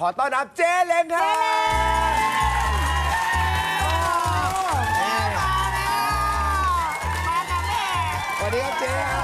ขอต้อนรับเจ๊เล้งครับสวัสดีครับเจ๊ครับ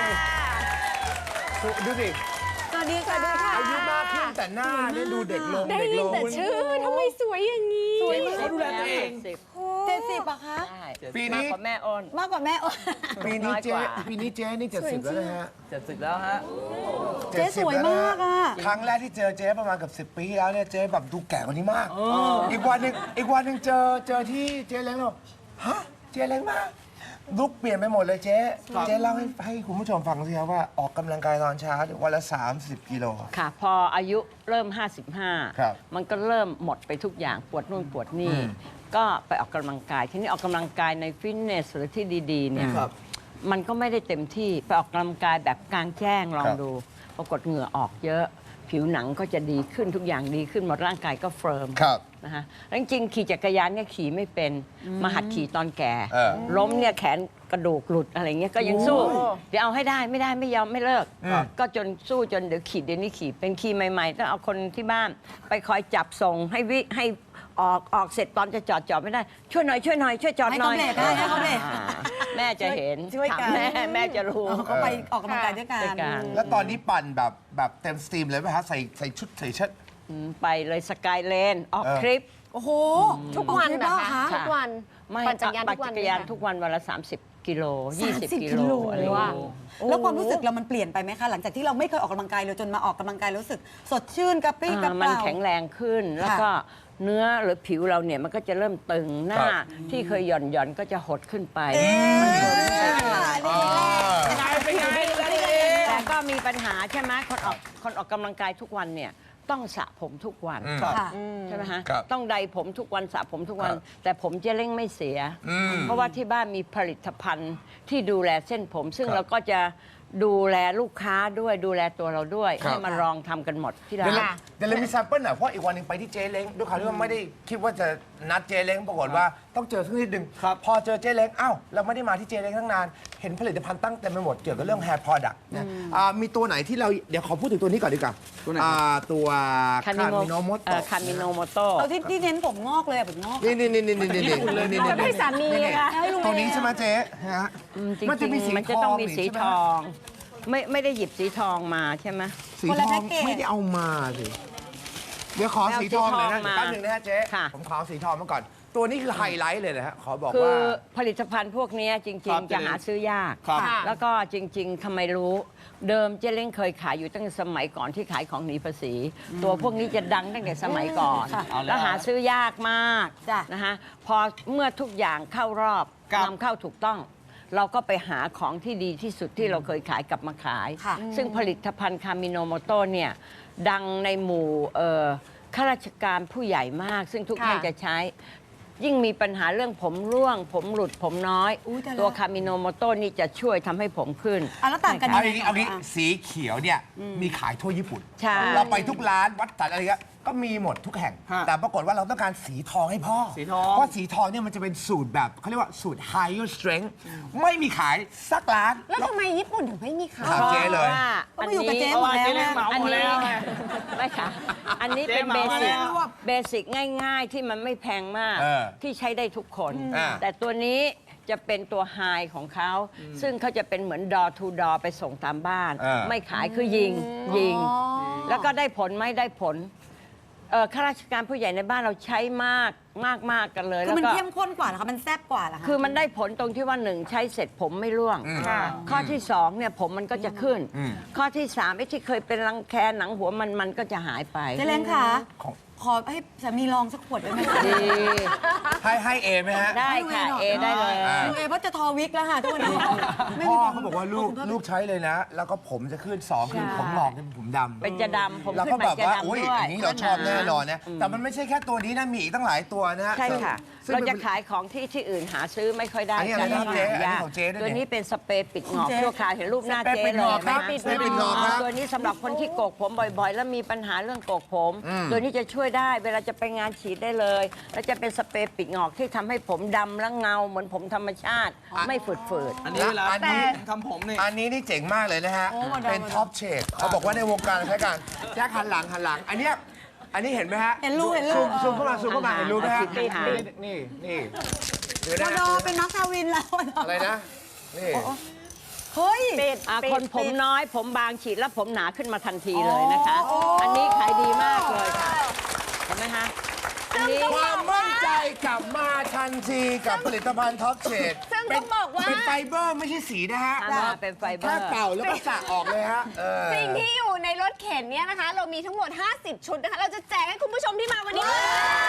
ดูสิสวัสดีค่ะอายุมากขึ้นแต่หน้าเนี่ยดูเด็กลงได้ยินแต่ชื่อทำไมสวยอย่างนี้สวยมากเขาดูแลตัวเอง 70อะคะปีนี้มากกว่าแม่อ้นมากกว่าแม่อ้นปีนี้เจ๊นี่70แล้วนะฮะ 70แล้วฮะเจ๊สวยมากอะครั้งแรกที่เจอเจ๊ประมาณกับ10 ปีแล้วเนี่ยเจ๊แบบดูแก่กว่านี้มากอีกวันหนึ่งเจอที่เจ๊เล้งเราฮะเจ๊เล้งมาลุกเปลี่ยนไปหมดเลยเจ๊เล่าให้คุณผู้ชมฟังสิครับว่าออกกำลังกายตอนเช้าวันละ30 กิโลค่ะพออายุเริ่มครับ 55 มันก็เริ่มหมดไปทุกอย่างปวดนู่นปวดนี่ ก็ไปออกกำลังกาย ทีนี้ออกกำลังกายในฟิตเนสหรือที่ดีๆเนี่ยมันก็ไม่ได้เต็มที่ไปออกกำลังกายแบบกลางแจ้งลองดูปรากฏเหงื่อออกเยอะผิวหนังก็จะดีขึ้นทุกอย่างดีขึ้นหมดร่างกายก็เฟิร์มครับนะคะแล้วจริงๆขี่จักรยานเนี่ยขี่ไม่เป็นมาหัดขี่ตอนแก่ ล้มเนี่ยแขนกระดูกหลุดอะไรเงี้ยก็ยังสู้เดี๋ยวเอาให้ได้ไม่ได้ไม่ยอมไม่เลิกก็จนสู้จนเดี๋ยวขี่เดี๋ยวนี้ขี่เป็นขี่ใหม่ๆต้องเอาคนที่บ้านไปคอยจับส่งให้ออกเสร็จตอนจะจอดไม่ได้ช่วยหน่อยช่วยจอดหน่อยให้เขาเบรกแม่จะเห็นช่วยกันถามแม่จะรู้เขาไปออกกำลังกายด้วยกันแล้วตอนนี้ปั่นแบบเต็มสตรีมเลยไหมฮะใส่ชุดใส่เชิ้ตไปเลยสกายเลนออกทริปโอ้โหทุกวันออกทริปนะแล้วเหรอคะคะทุกวันไม่ปั่นจักรยานทุกวันปั่นจักรยานทุกวันวันละ30 กิโล 20 กิโลอะไรอย่างว่าเงี้ยแล้วความรู้สึกเรามันเปลี่ยนไปไหมคะ หลังจากที่เราไม่เคยออกกำลังกายเลยจนมาออกกำลังกายรู้สึก สดชื่นกระปรี้กระเปมันร่าแข็งแรงขึ้น แล้วก็เนื้อหรือผิวเราเนี่ยมันก็จะเริ่มตึงหน้าที่เคยหย่อนก็จะหดขึ้นไปเป็นไงแต่ก็มีปัญหาใช่ไหมคนออกกำลังกายทุกวันเนี่ยต้องสระผมทุกวันค่ะใช่ไหมฮะครับต้องใดผมทุกวันสระผมทุกวันครับแต่ผมเจะเร่งไม่เสีย เพราะว่าที่บ้านมีผลิตภัณฑ์ที่ดูแลเส้นผม ซึ่งครับเราก็จะดูแลลูกค้าด้วยดูแลตัวเราด้วยครับให้มาลองทำกันหมดที่ร้าเดี๋ยวนค่ะเรามีแซมเปิลหน่อยเพราะอีกวันหนึ่งไปที่เจ๊เล้งด้วยความที่ว่าไม่ได้คิดว่าจะนัดเจ๊เล้งปรากฏว่าต้องเจอสักนิดนึงพอเจอเจ๊เล้งอ้าวเราไม่ได้มาที่เจ๊เล้งตั้งนานเห็นผลิตภัณฑ์ตั้งเต็มไปหมดเกี่ยวกับเรื่อง hair product นะมีตัวไหนที่เราเดี๋ยวขอพูดถึงตัวนี้ก่อนดีกว่าตัวคามิโนโมโตคามิโนโมโตเอาที่เน้นผมงอกเลยอะผมงอกนี่จะให้สามีเลยค่ะตัวนี้ใช่ไหมเจ๊ฮะจริงมันจะมีสีๆมันจะต้องมีสีใช่ไหทอง ไม่ได้หยิบสีทองมาใช่ไหมสีคนทละอแพ็งกเกจไม่ได้เอามาสิเดี๋ยวขอสีทองหน่อยนะเอาสีทองมาแป๊บหนึงนะฮะเจ๊ค่ะผมขอสีทองมาก่อน ตัวนี้คือไฮไลท์เลยนะฮะขอบอกคือว่าผลิตภัณฑ์พวกนี้จคริรังบๆ จะหาซื้อยากครับแล้วก็จริง ๆทำไมรู้ เดิมเจ๊เล้งเคยขายอยู่ตั้งแต่สมัยก่อนที่ขายของหนีภาษี ตัวพวกนี้จะดังตั้งแต่สมัยก่อนเอาแล้วแล้วหาซื้อยากมากจ้ะนะคะพอเมื่อทุกอย่างเข้ารอบครับนำเข้าถูกต้อง เราก็ไปหาของที่ดีที่สุดที่เราเคยขายกลับมาขายค่ะซึ่งผลิตภัณฑ์คามิโนโมโตเนี่ยดังในหมู่ข้าราชการผู้ใหญ่มาก ซึ่งทุกท่านจะใช้ ยิ่งมีปัญหาเรื่องผมร่วง ผมหลุดผมน้อยอุ๊ยตายแล้วตัวคามิโนโมโตนี่จะช่วยทำให้ผมขึ้นอ่ะแล้วต่างกันเอายังไงอย่างนี้เอางี้อ่ะสีเขียวเนี่ยมีขายทั่วญี่ปุ่นใช่เราไปทุกร้านวัดสันอะไรเงี้ยก็มีหมดทุกแห่งฮะแต่ปรากฏว่าเราต้องการสีทองให้พ่อสีทองเพราะสีทองเนี่ยมันจะเป็นสูตรแบบเขาเรียกว่าสูตร higher strength ไม่มีขายสักร้านแล้วทำไมญี่ปุ่นถึงไม่มีขายถามเจ๊เลยว่าก็อันไปอยู่กับนี้เจ๊เพราะว่าเจ๊เล้งเหมาอันหมดนี้แล้วไม่ค่ะ อันนี้เป็นเจ๊เบเหมาสิกแล้วเบสิกง่ายๆที่มันไม่แพงมากเออที่ใช้ได้ทุกคนอ่าแต่ตัวนี้จะเป็นตัวไฮของเขา ซึ่งเขาจะเป็นเหมือนดอทูดอไปส่งตามบ้าน ไม่ขายคือยิง แล้วก็ได้ผลไหมได้ผลข้าราชการผู้ใหญ่ในบ้านเราใช้มากกันเลยคือแล้วมันก็เข้มข้นกว่าเหรอคะมันแซ่บกว่าเหรอคะคือมันได้ผลตรงที่ว่าหนึ่งใช้เสร็จผมไม่ร่วง ข้อที่สองเนี่ยผมมันก็จะขึ้น ข้อที่สามไอ้ที่เคยเป็นรังแคหนังหัวมันก็จะหายไปเจ๊เล้งค่ะของขอให้สามีลองสักขวดได้ไหมคะดีให้เอไหมฮะได้ค่ะเอได้เลยลุงเอเพราะจะทอวิกแล้วค่ะทุกวันนี้ไม่พ่มีอเขาบอกว่าลูกใช้เลยนะ แล้วก็ผมจะขึ้นสองคือผมหงอกเป็นผมดำเป็นจะดำผมแล้วขึ้ก็นไปแบบจะว่าดำอุ้ยด้วยอันนี้เราชอบแน่นอนนะแต่มันไม่ใช่แค่ตัวนี้นะมีอีกตั้งหลายตัวนะฮะใช่ค่ะซึ่งเราป็นจะขายของที่อื่นหาซื้อไม่ค่อยได้อันนี้อะไรครับเจ๊อันนี้ของเจ๊ด้วยเนี่ยตัวนี้เป็นสเปรย์ปิดหงอกชั่วคราวเห็นรูปหน้าสเปรย์เจ๊ปิดเลหงอย กครับไหมสเปรย์ปิดหงอกครับตัวนี้สำหรับคนที่โกกผมบ่อยๆ แล้วมีปัญหาเรื่องโกกผม ตัวนี้จะช่วยได้เวลาจะไปงานฉีดได้เลย แล้วจะเป็นสเปรย์ปิดหงอกที่ทำให้ผมดำและเงาเหมือนผมธรรมชาติ ไม่ฝืดอันนี้เวลาอันนี้ทำผมนี่อันนี้นี่เจ๋งมากเลยนะฮะ เป็นท็อปเชดเขาบอกว่าในวงการใช้กันแจ็คหันหลัง อันเนี้ยอันนี้เห็นไหมฮะเห็นรูซูมเข้ามาเห็นรูไหมฮะปิดนี่เดี๋ยวพอนะดอเป็นมาร์คทาวินแล้วอะไรนะนี่เฮ้ยคนผมน้อยผมบางฉีดแล้วผมหนาขึ้นมาทันทีเลยนะคะ อันนี้ขายดีมากเลยค่ะเห็นไหมคะอันนี้ความมั่นใจกลับมาทันทีกับผลิตภัณฑ์ท็อปเชดซึ่งต้องบอกว่าเป็นไฟเบอร์ไม่ใช่สีนะฮะเป็นไฟเบอแค่ร์เป่าแล้วก็สระออกเลยฮะสิ่งที่อยู่ในรถเข็นเนี่ยนะคะ เรามีทั้งหมด 50 ชุดนะคะ เราจะแจกให้คุณผู้ชมที่มาวันนี้เลย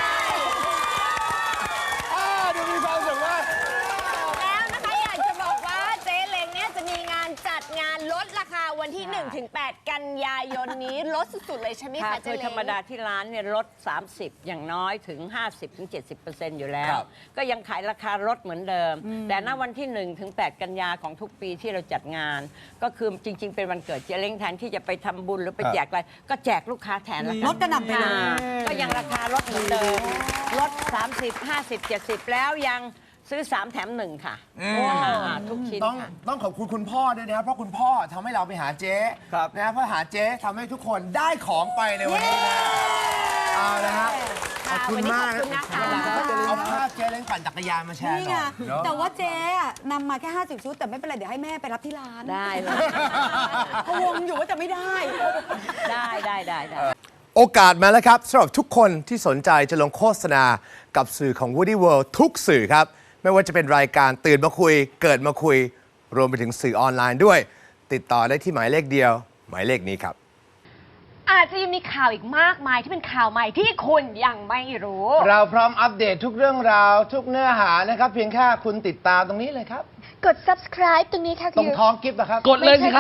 ดูมีความสุขมากแล้วนะคะอยากจะบอกว่าเจ๊เล้งเนี่ยจะมีงานจัดงานลดราคาวันที่ 1-8 กันยายนนี้ลดสุดๆเลยใช่ไหมค่ะคะเจ๊คือเล้งธรรมดาที่ร้านเนี่ยลด 30 อย่างน้อยถึง 50-70% อยู่แล้ว ก็ยังขายราคาลดเหมือนเดิม แต่ณวันที่ 1-8 กันยาของทุกปีที่เราจัดงาน ก็คือจริง ๆ เป็นวันเกิดเจ๊เล้งแทนที่จะไปทำบุญหรือไปแจกอะไร ก็แจกลูกค้าแทนละกันลดกระหน่ำไปเลยก็ยังราคาลดเหมือนเดิมลด 30 50 70 แล้วยังซื้อ 3 แถม 1 ค่ะทุกชิ้นต้องค่ะต้องขอบคุณคุณพ่อด้วยนะครับเพราะคุณพ่อทำให้เราไปหาเจ๊ครับนะเพราะหาเจ๊ทำให้ทุกคนได้ของไปในวันนี้นะเอาละฮะขอบคุณมากวันนี้ขอบคุณนะคะเอาภาพเจ๊เล้งปั่นจักรยานมาแชร์นี่หไงน่อยเนอะแต่ว่าเจ๊อะนำมาแค่ 50 ชุด แต่ไม่เป็นไร เดี๋ยวให้แม่ไปรับที่ร้านได้เลยพะวงอยู่ว่าจะไม่ได้ได้โอกาสมาแล้วครับสำหรับทุกคนที่สนใจจะลงโฆษณากับสื่อของ Woody World ทุกสื่อครับ ไม่ว่าจะเป็นรายการตื่นมาคุย เกิดมาคุย รวมไปถึงสื่อออนไลน์ด้วย ติดต่อได้ที่หมายเลขเดียว หมายเลขนี้ครับอาจจะยังมีข่าวอีกมากมายที่เป็นข่าวใหม่ที่คุณยังไม่รู้เราพร้อมอัปเดตทุกเรื่องราว ทุกเนื้อหานะครับ เพียงแค่คุณติดตามตรงนี้เลยครับกด subscribe ตรงนี้ค่ะตรงท้องกิฟต์นะครับกดเลยสิครับ